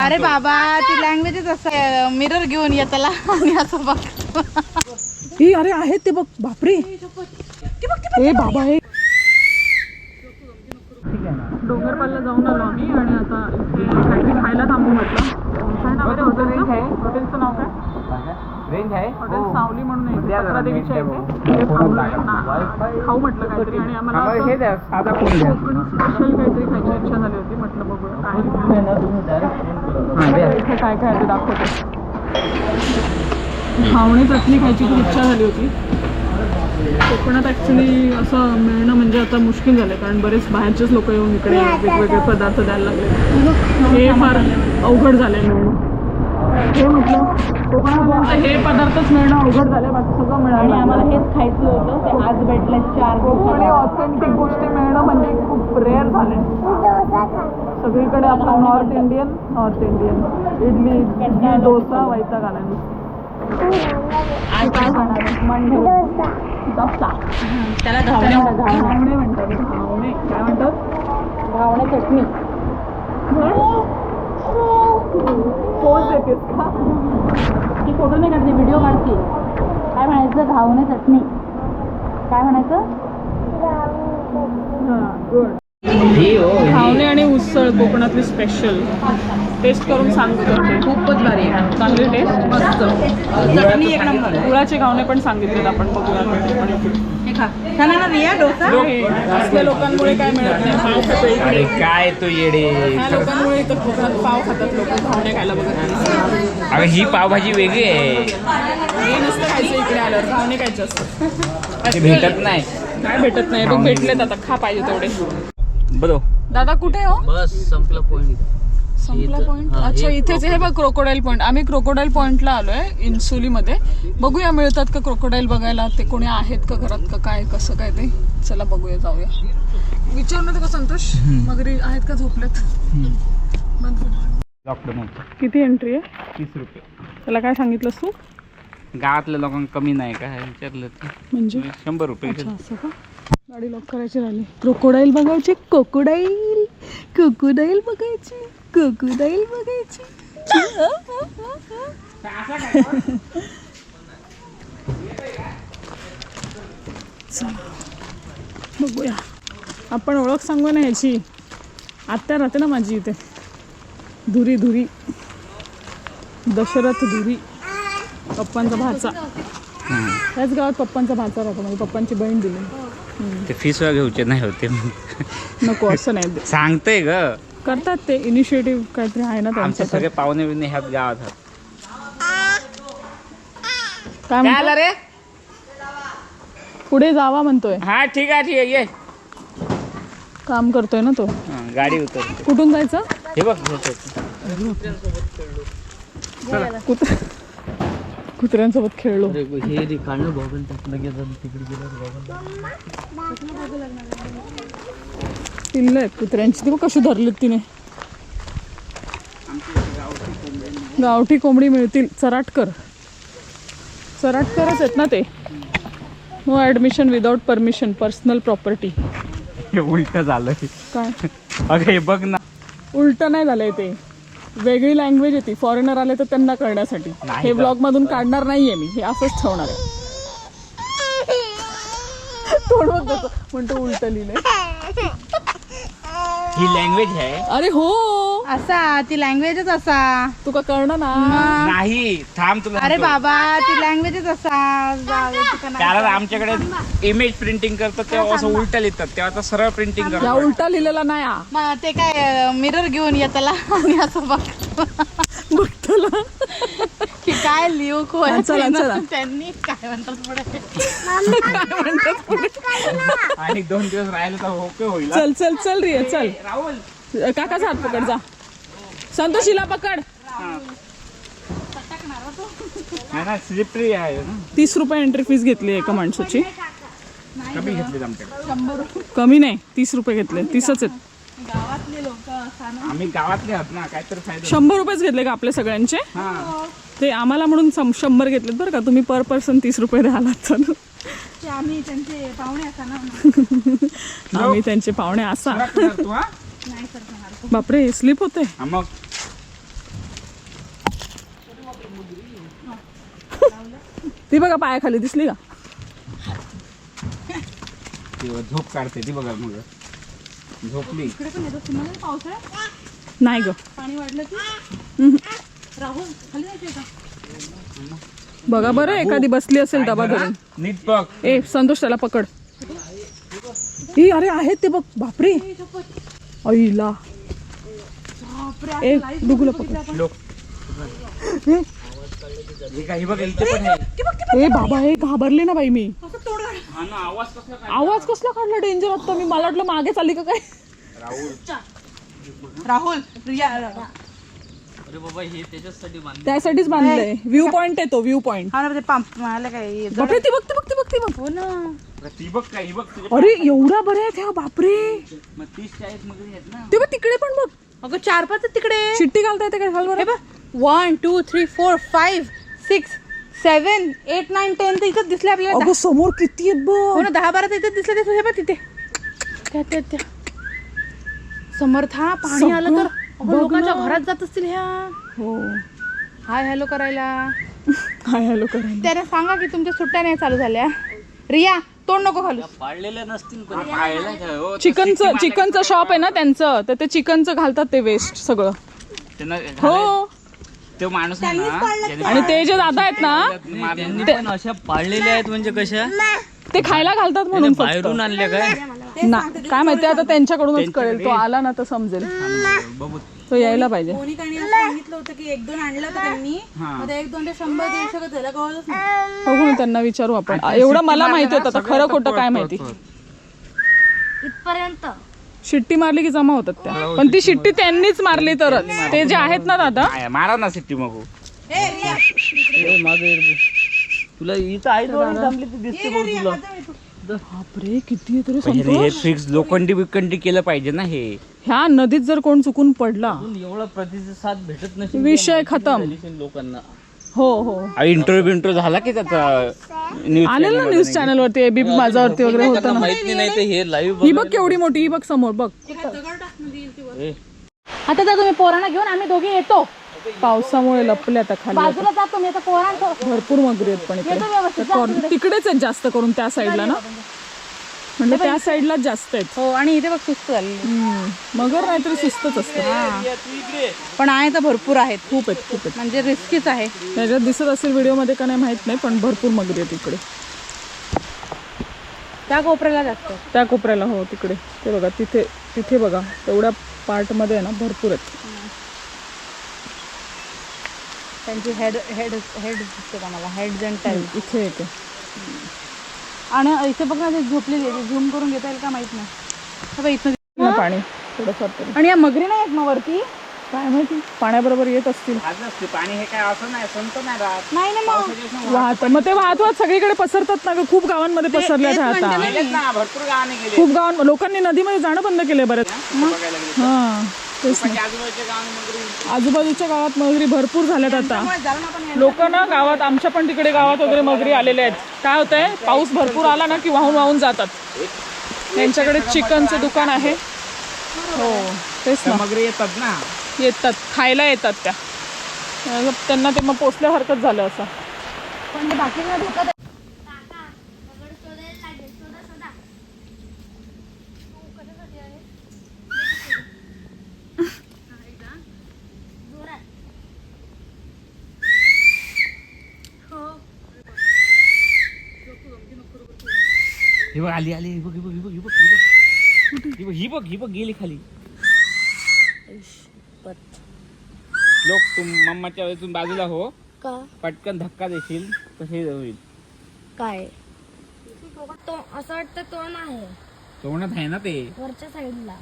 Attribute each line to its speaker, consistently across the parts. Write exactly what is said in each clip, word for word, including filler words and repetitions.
Speaker 1: अरे बाबा ती लँग्वेजच असं मिरर घेऊन येताला आणि असं बघ.
Speaker 2: हे अरे आहेत ते बघ. बापरे हे बाबा हे डोंगरपालला जाऊन आलो आम्ही आणि आता इथे काहीतरी खायला थांबू म्हटलं. काय नाव आहे हॉटेल? हॉटेलचं नाव काय?
Speaker 3: रेंज आहे
Speaker 2: हॉटेल सावली म्हणून आहे पत्रादेवीच्या इथे. तिथे थांबलोय. खाऊ म्हटलं काहीतरी आणि आम्हाला असं कोकणी स्पेशल काहीतरी खायची इच्छा झाली होती. म्हटलं बघूया काय इथे काय काय ते दाखवते. घावणे चटणी खायची खूप इच्छा झाली होती. कोकणात ॲक्च्युली असं मिळणं म्हणजे आता मुश्किल झालं कारण बरेच बाहेरचेच लोक येऊन इकडे वेगवेगळे पदार्थ द्यायला लागले. हे फार अवघड झालं आहे मिळणं. हे म्हटलं कोकणात हे पदार्थच मिळणं अवघड झालं. बाकी सगळं मिळालं आणि आम्हाला हेच खायचं होतं. ते आज भेटलं चार आणि ऑथेंटिक गोष्टी मिळणं म्हणजे खूप रेअर झालं आहे. सगळीकडे आपला north Indian north Indian idli idli dosa वैताग आला. आज काय खाणार मंडे डोसा. त्याला घावणे घावणे म्हणतात. घावणे काय म्हणतात? घावणे चटणी. पोज देतेस का? ती फोटो नाही काढते व्हिडिओ काढते. काय म्हणायचं? घावणे चटणी. काय म्हणायचं? हां गुड. घावणे आणि उसळ कोकणातली स्पेशल. टेस्ट करून सांगतो तुमचे. खूपच भारी आहे. चांगली टेस्ट मस्त. चटणी एक नंबर. गुळाचे घावणे पण सांगितलेत आपण बघूया. हे खा खाना ना रिया डोसा. असल्या लोकांमुळे काय मिळत नाही. पाव खातो इकडे.
Speaker 3: काय तो येडे.
Speaker 2: ह्या लोकांमुळे इथं कोकणात पाव खातात लोक. घावणे खायला बघत नाही.
Speaker 3: अगं ही पावभाजी वेगळी आहे.
Speaker 2: हे नसतं खायचं इकडे आल्यावर. घावणे खायचं असतं.
Speaker 3: ते भेटत नाही.
Speaker 2: काय भेटत नाही. बघ भेटलेत आता. खा पाहिजे तेवढे.
Speaker 3: बघ
Speaker 2: दादा कुठे हो?
Speaker 4: बस संपला पॉइंट.
Speaker 2: संपला पॉइंट. अच्छा इथेच हे बघ क्रोकोडाईल पॉइंट. आम्ही क्रोकोडाईल पॉइंटला आलोय इन्सुलीमध्ये. बघूया मिळतात का क्रोकोडाईल बघायला. ते कोणी आहेत का घरात का काय कसं काय ते. चला बघूया जाऊया. विचारून का संतोष मगरी आहेत का झोपलेत?
Speaker 3: लॉकडाऊन
Speaker 2: किती एंट्री आहे?
Speaker 3: तीस रुपये.
Speaker 2: त्याला काय सांगितलंस तू?
Speaker 3: गावातल्या लोकांना कमी नाही का विचारलं ते
Speaker 2: म्हणजे
Speaker 3: शंभर रुपये.
Speaker 2: असं का? गाडी लॉक करायची राहिली. क्रोकोडाईल बघायची. कोकोडाईल कोकोडाईल बघायची. कोकोडाईल बघायची. बघूया. आपण ओळख सांगू ना ह्याची. आत्या राहते ना माझी इथे. धुरी धुरी दशरथ धुरी. पप्पांचा भाचा. त्याच गावात पप्पांचा भाचा राहतो. म्हणजे पप्पांची बहीण दिली.
Speaker 3: ते फीस वगैरे घ्यायचे नाही होते.
Speaker 2: नको असं नाही
Speaker 3: सांगते ग.
Speaker 2: करतात ते इनिशिएटिव्ह काहीतरी आहे ना
Speaker 3: आमचे
Speaker 2: त्यांचं.
Speaker 3: सगळे पाहुणे बिवणे ह्याच गावात आहेत.
Speaker 2: काय म्हणतो
Speaker 3: रे?
Speaker 2: पुढे जावा म्हणतोय.
Speaker 3: हा ठीक आहे ठीक आहे ये.
Speaker 2: काम करतोय ना तो.
Speaker 3: हा, गाडी उतर.
Speaker 2: कुठून जायचं?
Speaker 3: हे बघ
Speaker 2: कुत्र्या कुत्र्यांसोबत खेळलो.
Speaker 4: हे रिकाणं बघून टाकलं गेलं तिकडे गेलं
Speaker 2: पिल्ल आहेत कुत्र्यांची. ती बघ कशी धरलीत तिने. गावठी कोंबडी मिळतील. चराटकर चराटकरच आहेत ना ते. No admission without permission. Personal property.
Speaker 3: हे उलट झालं.
Speaker 2: काय
Speaker 3: अगं हे बघ ना.
Speaker 2: उलट नाही झालंय ते. वेगळी लँग्वेज येते. फॉरेनर आले तर त्यांना कळण्यासाठी. हे ब्लॉग मधून काढणार नाहीये मी. हे असंच ठेवणार आहे. तोंड बघ म्हणतो उलट लिहिलंय.
Speaker 3: ही लँग्वेज आहे.
Speaker 2: अरे हो
Speaker 1: असा ती लँग्वेजच असा.
Speaker 2: तुका कळणार ना.
Speaker 3: नाही थांब तुला.
Speaker 1: अरे बाबा ती लँग्वेजच असा.
Speaker 3: कारण आमच्याकडे इमेज प्रिंटिंग करतात तेव्हा असं उलट लिहितात. तेव्हा आता सरळ प्रिंटिंग
Speaker 2: या
Speaker 3: करतात.
Speaker 2: उलटा लिहिलेला नाही हा.
Speaker 1: मग ते काय मिरर घेऊन येताला आणि असं बघ
Speaker 2: बघतला
Speaker 1: की काय लिहू को
Speaker 2: चला, चला.
Speaker 1: त्यांनी काय म्हणतात पुढे.
Speaker 2: काय म्हणतात पुढे.
Speaker 3: आणि दोन दिवस राहिले तर ओके होईल.
Speaker 2: चल चल चल रे चल.
Speaker 3: राहुल
Speaker 2: काकाचा हात पकड जा. संतोषीला पकड.
Speaker 3: स्लिपरी आहे ना.
Speaker 2: तीस रुपये एंट्री फीस घेतली एका माणसाची.
Speaker 3: कमी घेतली आमच्याकडे.
Speaker 2: कमी नाही तीस रुपये घेतले. तीसच आहेत.
Speaker 1: गावातले लोक
Speaker 3: आम्ही गावातले आहोत ना. काहीतरी फायदा.
Speaker 2: शंभर रुपयेच घेतले का आपले सगळ्यांचे?
Speaker 3: हा
Speaker 2: ते आम्हाला म्हणून सम- शंभर घेतलेत बरं का. तुम्ही पर पर्सन तीस रुपये द्याला तर.
Speaker 1: आम्ही त्यांचे पाहुणे असा ना.
Speaker 2: आम्ही त्यांचे पाहुणे असा.
Speaker 3: तू हा
Speaker 1: नाही सर
Speaker 2: बापरे स्लिप होते.
Speaker 3: मग
Speaker 2: ती बघा पायाखाली दिसली का?
Speaker 3: झोप काढते ती बघा मग झोपली.
Speaker 2: नाही ग
Speaker 1: पाणी वाढलं की
Speaker 2: हम्म.
Speaker 1: राहुल खाली जायचंय का?
Speaker 2: बघा बरं एखादी बसली असेल डबा धरून.
Speaker 3: नीट बघ.
Speaker 2: ए संतोष त्याला पकड. ही अरे आहेत ते बघ. बापरे आईला. ए डुगूला पकड.
Speaker 3: लोक
Speaker 2: ए,
Speaker 3: हे काय हे बघ इथे पण आहे.
Speaker 2: ए बाबा हे घाबरले ना बाई मी.
Speaker 3: हा ना, आवाज कसला काय?
Speaker 2: आवाज कसला काढला डेंजर आता मी. मला वाटलं मागे चालली का काय.
Speaker 3: राहुल
Speaker 1: राहुल रिया
Speaker 4: अरे बाबा हे त्याच्यासाठी बांधले.
Speaker 2: त्यासाठीच बांधलंय. व्ह्यू पॉइंट आहे तो व्ह्यू पॉइंट.
Speaker 1: हा ना ते पंप मला काय
Speaker 2: बापरे ती बघ ती बघ ती बघ ती बघ.
Speaker 1: हो ना.
Speaker 3: ती बघ काय ही बघ तुझ्या
Speaker 2: अरे एवढा बरं आहेत ह्या. बापरे
Speaker 3: मग तीस चाळीस मग आहेत ना.
Speaker 2: ते बघ तिकडे पण बघ.
Speaker 1: अगं चार पाच आहेत तिकडे.
Speaker 2: चिट्टी घालता येते काय? घाल
Speaker 1: हे
Speaker 2: बरं.
Speaker 1: बघ one two three four five six seven eight nine ten तर इथंच दिसले आपल्याला.
Speaker 2: अगं समोर किती आहेत
Speaker 1: हो
Speaker 2: बघ.
Speaker 1: ना दहा बारा तर इथेच दिसले. ते हे बघ तिथे त्या त्या त्या समर्था पाणी आलं तर अगं,
Speaker 2: बघ
Speaker 1: लोकांच्या
Speaker 2: ना.
Speaker 1: घरात जात असतील ह्या.
Speaker 2: हो
Speaker 1: हाय हॅलो करायला.
Speaker 2: काय हॅलो करायला.
Speaker 1: त्याने सांगा की तुमच्या सुट्ट्या नाही चालू झाल्या. रिया तोंड नको घालू.
Speaker 4: पाळलेले नसतील पण.
Speaker 3: पाहायला काय हो,
Speaker 2: चिकनचं चिकनचं शॉप आहे ना त्यांचं. तर ते चिकनचं घालतात ते वेस्ट सगळं.
Speaker 3: त्यांना
Speaker 2: हो
Speaker 3: तो माणूस आहे ना ज्याने
Speaker 2: आणि ते जे दादा आहेत ना
Speaker 4: त्यांनी पण अशा पाळलेल्या आहेत म्हणजे कशा
Speaker 2: ते खायला घालतात म्हणून फक्त.
Speaker 4: बाहेरून आणल्या काय?
Speaker 2: ना काय माहिती आता त्यांच्याकडूनच कळेल. तो आला ना तर समजेल.
Speaker 3: बघू
Speaker 2: तो यायला पाहिजे.
Speaker 1: कोणी काही सांगितलं होतं की एक दोन आणलं होतं त्यांनी. मग ते एक दोन ते शंभर दीडशे का त्याला कळलंच नाही.
Speaker 2: बघू ना त्यांना विचारू आपण. एवढं मला माहिती होतं आता खरं खोटं काय माहिती.
Speaker 1: इथपर्यंत
Speaker 2: शिट्टी मारली की जमा होतात त्या. पण ती शिट्टी त्यांनीच मारली तरच. ते जे आहेत ना दादा
Speaker 3: काय, मारा ना सिट्टी मग
Speaker 1: ए रिया
Speaker 4: ए, मागे रे. तुला इथं आई थोडी थांबली ती दिसते बघ तुला.
Speaker 2: बापरे किती आहे तरी
Speaker 3: हे
Speaker 2: संतोष.
Speaker 3: फिक्स लोखंडी बिकंडी केलं पाहिजे ना हे.
Speaker 2: ह्या नदीत जर कोण चुकून पडला
Speaker 4: अजून एवढा प्रतिसाद भेटत नसेल
Speaker 2: विषय खतम.
Speaker 4: लोकांना.
Speaker 2: हो हो
Speaker 3: इंटरव्ह्यू बिंटरव्ह्यू झाला की त्याचा न्यूज
Speaker 2: आलेलं ना न्यूज चॅनल वरती एबीपी माझावरती वगैरे होतं
Speaker 4: त्यांना
Speaker 2: ना.
Speaker 4: माहिती नाही ते हे लाईव्ह.
Speaker 2: ही बघ केवढी मोठी. ही बघ समोर बघ.
Speaker 1: आता जा तुम्ही पोरांना घेऊन आम्ही दोघे येतो.
Speaker 2: पावसामुळे लपले आता खाली. आता.
Speaker 1: बाजूला जातो मी आता पोरांचं.
Speaker 2: भरपूर मगरी आहेत पण इकडे.
Speaker 1: व्यवस्थित
Speaker 2: तर कॉर्न- तिकडेच आहेत जास्त करून त्या साईडला ना. म्हणजे त्या साईडलाच जास्त आहेत.
Speaker 1: हो आणि इथे बघ सुस्त झाली.
Speaker 2: हम्म. मगर नाहीतरी सुस्तच असतं.
Speaker 1: पण आहे तर भरपूर आहेत.
Speaker 2: खूप आहेत खूप आहेत.
Speaker 1: म्हणजे रिस्कीच आहे.
Speaker 2: त्याच्यात दिसत असेल व्हिडिओ मध्ये का नाही माहित नाही पण भरपूर मगरी आहेत इकडे.
Speaker 1: त्या कोपऱ्याला जास्त.
Speaker 2: त्या कोपऱ्याला हो तिकडे. ते बघा तिथे तिथे बघा तेवढ्या पार्ट मध्ये आहे ना भरपूर आहेत.
Speaker 1: त्यांची हेड हेड हेड दिसते का मला. Head and tail.
Speaker 2: इथे येते.
Speaker 1: आणि इथे बघ ना ते झोपलेली आहे. झूम करून घेता येईल का माहित नाही. हे बघ इथं
Speaker 2: ना पाणी थोडंफार तरी.
Speaker 1: आणि या मगरी नाही आहेत मग वरती.
Speaker 2: काय माहिती पाण्याबरोबर येत असतील.
Speaker 3: आज असते पाणी हे काय असं नाही संत नाही राहत.
Speaker 1: नाही ना मग
Speaker 2: वाहत मग ते वाहत वाहत सगळीकडे पसरतात ना ग. खूप गावांमध्ये पसरल्यात ह्या आता.
Speaker 3: गेलेत ना भरपूर गावाने गेले.
Speaker 2: खूप गावां लोकांनी नदीमध्ये जाणं बंद केलंय बरं.
Speaker 3: बघायला गेले
Speaker 2: हा तेच ना.
Speaker 3: आजूबाजूच्या गावाने मगरी
Speaker 2: आजूबाजूच्या गावात मगरी भरपूर झाल्यात आता.
Speaker 1: जाऊ ना पण.
Speaker 2: लोक ना गावात आमच्या पण तिकडे गावात वगैरे मगरी आलेले आहेत. काय होतंय पाऊस भरपूर आला ना की वाहून वाहून जातात. त्यांच्याकडे चिकनचं दुकान आहे. हो तेच ना.
Speaker 3: मगरी येतात ना.
Speaker 2: येतात खायला येतात त्या. मग त्यांना ते मग पोचल्यासारखंच झालं असं.
Speaker 1: पण हे बाकी काय धोका आहे.
Speaker 3: ही बघ आली आली. ही बघ ही बघ ही बघ ही बघ ही बघ ही बघ ही बघ ही बघ गेली खाली. लोक तुम मम्माच्या वेळेतून बाजूला हो.
Speaker 5: का
Speaker 3: पटकन धक्का देशील कसे होईल.
Speaker 5: काय तो असं वाटतं तो नाही
Speaker 3: तोंडात आहे ना ते.
Speaker 5: वरच्या साईडला.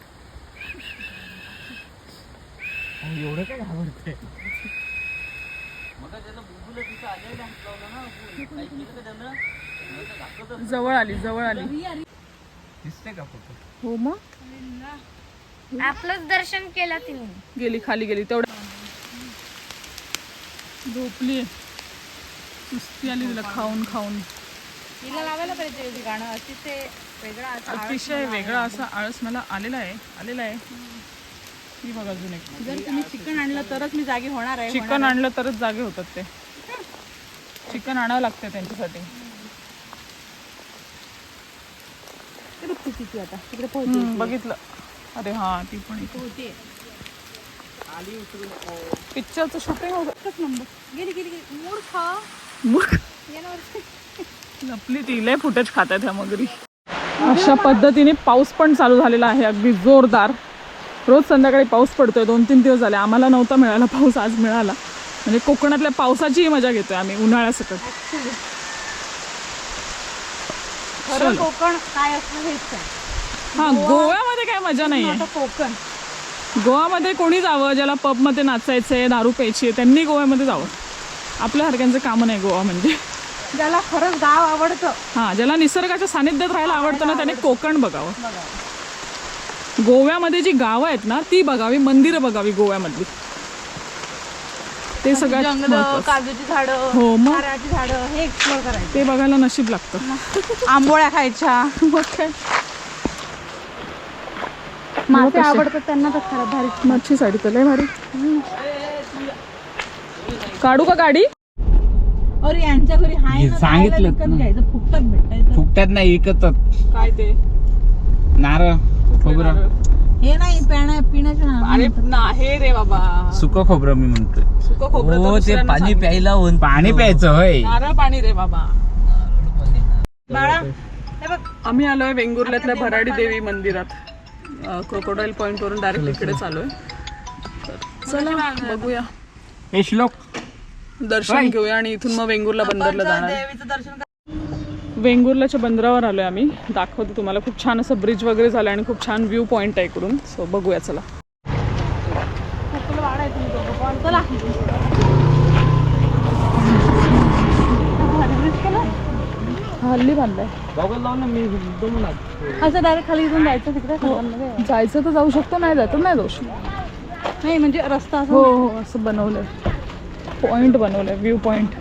Speaker 3: एवढं काय घाबरतंय.
Speaker 2: जवळ आली जवळ आली.
Speaker 3: दिसते का फोटो.
Speaker 2: हो मग
Speaker 5: आपलंच दर्शन केलं तिने.
Speaker 2: गेली खाली गेली तेवढं. झोपली सुस्ती आली तिला खाऊन खाऊन.
Speaker 1: हिला लावायला पाहिजे हे गाणं. अतिशय वेगळा असं
Speaker 2: अतिशय वेगळा असा आळस मला आलेला आहे आलेला आहे. ही बघ अजून एक.
Speaker 1: जर तुम्ही चिकन आणलं तरच मी जागी होणार आहे.
Speaker 2: चिकन आणलं तरच जागे होतात ते. चिकन आणावं लागतं त्यांच्यासाठी.
Speaker 1: ते बघ ती किती आता तिकडे
Speaker 2: हम्म, बघितलं. अरे हा ती पण इथे
Speaker 1: पोहते.
Speaker 2: पिक्चरचं शूटिंग होतं.
Speaker 1: एकच नंबर. गेली गेली गेली मूर्ख
Speaker 2: मग
Speaker 1: येणार.
Speaker 2: लपली ती लय फुटेज खात आहेत ह्या मगरी. अशा पद्धतीने पाऊस पण चालू झालेला आहे अगदी जोरदार. रोज संध्याकाळी पाऊस पडतोय. दोन तीन दिवस झाले आम्हाला नव्हता मिळाला पाऊस, आज मिळाला. म्हणजे कोकणातल्या पावसाचीही मजा घेतोय आम्ही उन्हाळ्यासकट.
Speaker 1: खरं कोकण काय असतं हेच आहे.
Speaker 2: हा, गोव्यामध्ये काय मजा नाहीये.
Speaker 1: आता कोकण
Speaker 2: गोव्यामध्ये कोणी जावं ज्याला पबमध्ये नाचायचंय, दारू प्यायची आहे, त्यांनी गोव्यामध्ये जावं. आपल्या हरक्यांचं काम नाही गोवा म्हणजे.
Speaker 1: ज्याला खरंच गाव आवडतं,
Speaker 2: हा, ज्याला निसर्गाच्या सानिध्यात राहायला आवडतं ना त्याने कोकण बघावं. गोव्यामध्ये जी गावं आहेत ना ती बघावी, मंदिरं बघावी गोव्यामधली. ते सगळ्यात
Speaker 1: जंगल,
Speaker 2: महत्त्वाचं.
Speaker 1: काजूची झाडं,
Speaker 2: हो, मग?
Speaker 1: नारळाची झाडं हे एक्सप्लोर करायचं.
Speaker 2: ते बघायला नशीब लागतं.
Speaker 1: आंबोळ्या खायच्या.
Speaker 2: मग काय,
Speaker 1: मासे
Speaker 2: कसे?
Speaker 1: आवडतात त्यांना तर खरं भारी.
Speaker 2: मच्छी साडी तर लय भारी. काढू का गाडी?
Speaker 1: अरे यांच्या घरी हाय ना,
Speaker 3: सांगितलं
Speaker 1: खायला विकत
Speaker 3: ना.
Speaker 1: घ्यायचं, फुकटात भेटायचं.
Speaker 3: फुकट्यात नाही विकतात
Speaker 2: काय ते
Speaker 3: नारळ खोबरं.
Speaker 1: हे नाही पिण्या पिण्याचे
Speaker 2: अरे नाही रे बाबा,
Speaker 3: सुकं खोबरं मी म्हणतोय.
Speaker 2: सुकं खोबरं तर
Speaker 4: हो ते
Speaker 2: दुसऱ्यांना
Speaker 4: पाणी
Speaker 2: सांग.
Speaker 4: प्यायला होऊन
Speaker 3: पाणी प्यायचं होय.
Speaker 2: नारळ पाणी रे बाबा.
Speaker 1: बाळा हे बघ
Speaker 2: आम्ही आलोय वेंगुर्ल्यातल्या भराडी देवी मंदिरात. क्रोकोडाईल पॉइंट वरून डायरेक्ट इकडे चालूय. तर चला बघूया,
Speaker 3: हे श्लोक
Speaker 2: दर्शन घेऊया आणि इथून मग वेंगुर्ला बंदरला जाणार.
Speaker 1: देवीचं दर्शन कर.
Speaker 2: वेंगुर्ल्याच्या बंदरावर आलोय आम्ही. दाखवते तुम्हाला. खूप छान असं ब्रिज वगैरे झालं आणि खूप छान व्ह्यू पॉइंट आहे इकडून. सो बघूया चला.
Speaker 1: तुला वाढ आहे तुम्ही दोघं पण. चला
Speaker 2: हल्ली बांधलाय.
Speaker 4: गॉगल लावून मी एकदम ना
Speaker 1: असं डायरेक्ट खाली इथून जायचं तिकडे खालांमध्ये.
Speaker 2: जायचं तर जाऊ शकतो, नाही जायचं नाही जाऊ शकतो.
Speaker 1: नाही म्हणजे रस्ता असं
Speaker 2: हो हो असं बनवलंय. पॉइंट बनवलंय, व्ह्यू पॉइंट.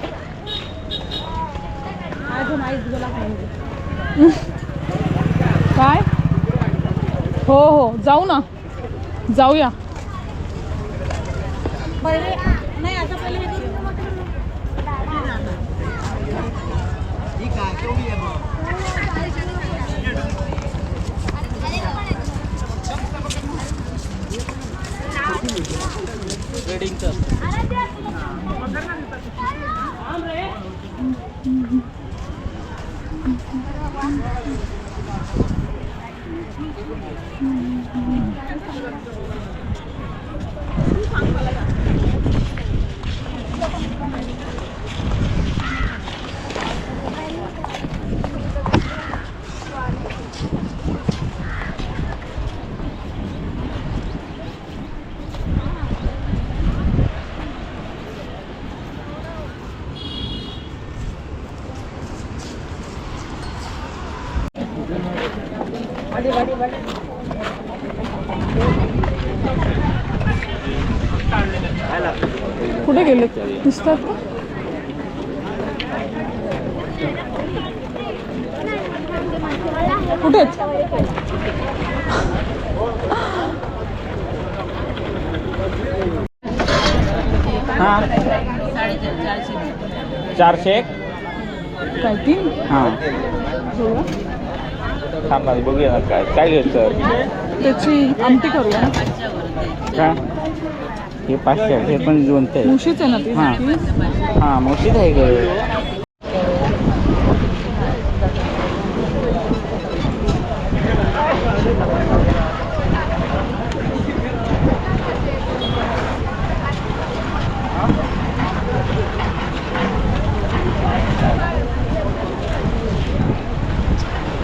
Speaker 1: माझं माहीत गेला पाहिजे.
Speaker 2: काय? हो हो जाऊ ना, जाऊया.
Speaker 1: पहिले नाही आता पहिले हे करू.
Speaker 2: कुठे गेले दिसतात का? कुठे आहेत?
Speaker 3: हा चारशे एक.
Speaker 2: काय तीन?
Speaker 3: हा
Speaker 2: बघूया.
Speaker 3: थांबा बघूया ना काय काय घ्यायचं.
Speaker 2: त्याची आमटी करूया ना.
Speaker 3: काय हे पाचशे हे पण दोनशे आहे.
Speaker 2: मुशीच आहे ना ती?
Speaker 3: हा.
Speaker 2: ती?
Speaker 3: हा मोठीच आहे ग.